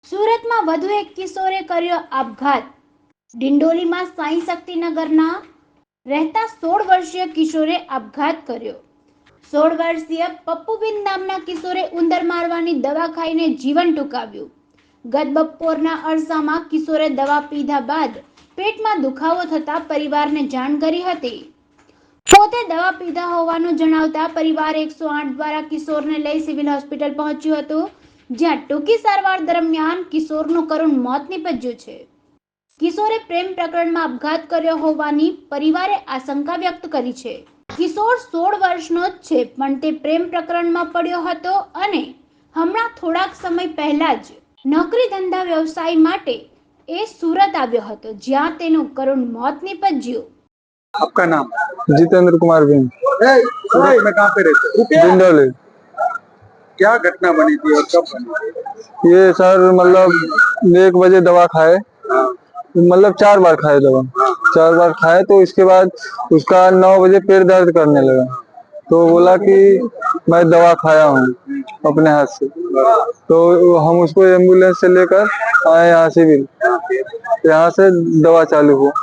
સુરતમાં વધુ એક કિશોરે કર્યો આપઘાત। ડિંડોલીમાં સાંઈ શક્તિનગરના રહેતા 16 વર્ષીય કિશોરે આપઘાત કર્યો। 16 વર્ષીય પપ્પુબેન નામના કિશોરે ઉંદર મારવાની દવા ખાઈને જીવન ટૂંકાવ્યું। ગત બપોરના અરસામાં કિશોરે દવા પીધા બાદ પેટમાં દુખાવો થતા પરિવારને જાણ કરી હતી। પોતે દવા પીધા હોવાનું જણાવતા પરિવારે 108 દ્વારા કિશોરને લઈ સિવિલ હોસ્પિટલ પહોંચ્યું હતું, જ્યાં ટૂંકી સારવાર દરમિયાન કિશોરનું કરુણ મોત નીપજ્યું છે। કિશોરે પ્રેમ પ્રકરણમાં આપઘાત કર્યો હોવાની પરિવારે આશંકા વ્યક્ત કરી છે। કિશોર 16 વર્ષનો જ છે, પણ તે પ્રેમ પ્રકરણમાં પડ્યો હતો અને હમણાં થોડાક સમય પહેલા જ નોકરી ધંધા વ્યવસાય માટે એ સુરત આવ્યો હતો, જ્યાં તેનું કરુણ મોત નીપજ્યું। आपका नाम? जितेंद्र कुमार बिन, सूरत में कहाँ पे रहते हो? डिंडोली। क्या घटना बनी थी और कब बनी थी? ये सर मतलब 1 बजे दवा खाए, मतलब 4 बार खाए दवा, 4 बार खाए तो इसके बाद उसका 9 बजे पेट दर्द करने लगा, तो बोला कि मैं दवा खाया हूँ अपने हाथ से, तो हम उसको एम्बुलेंस से लेकर आए यहाँ सिविल, यहाँ से दवा चालू हुआ।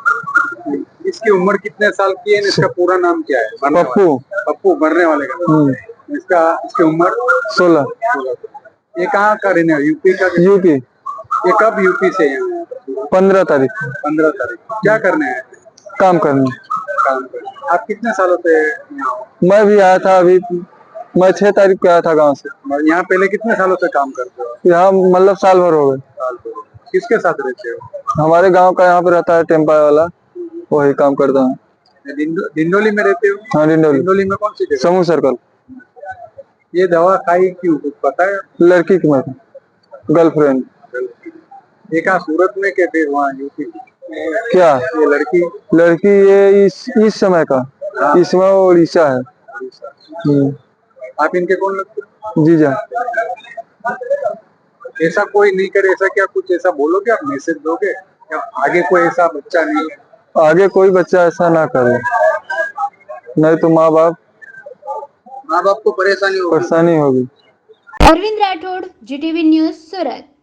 इसकी उम्र कितने साल की है? इसका पूरा नाम क्या है? पप्पू। पप्पू मरने वाले का नाम। इसकी उम्र 16। ये कहाँ का रहने वाला? यूपी का? यूपी। ये कब यूपी से यहाँ? 15 तारीख। 15 तारीख। क्या करने आए? काम करने। काम करने। आप कितने सालों से यहाँ हो? मैं भी आया था अभी, मैं 6 तारीख को आया था गांव से। और यहाँ पहले कितने सालों से काम करते हो? यहाँ मतलब साल भर हो गए। किसके साथ रहते हो? हमारे गांव का यहाँ पे रहता है टेम्पा वाला, वही काम करता हूँ। डिंडोली में रहते हो? हाँ, डिंडोली। डिंडोली में कौन सी जगह? समूह सर्कल। ये दवा खाई क्यों, कुछ पता है? लड़की की मैं गर्लफ्रेंड। ये कहाँ सूरत में के फिर वहाँ यूपी? क्या ये लड़की ये इस समय का, इस समय उड़ीसा है। आप इनके कौन लगते हो? जीजा। ऐसा कोई नहीं करे, ऐसा क्या कुछ ऐसा बोलोगे आप, मैसेज दोगे या आगे कोई ऐसा बच्चा नहीं है? आगे कोई बच्चा ऐसा ना करे, नहीं तो माँ बाप को परेशानी होगी। अरविंद राठौड़, जीटीवी न्यूज, सूरत।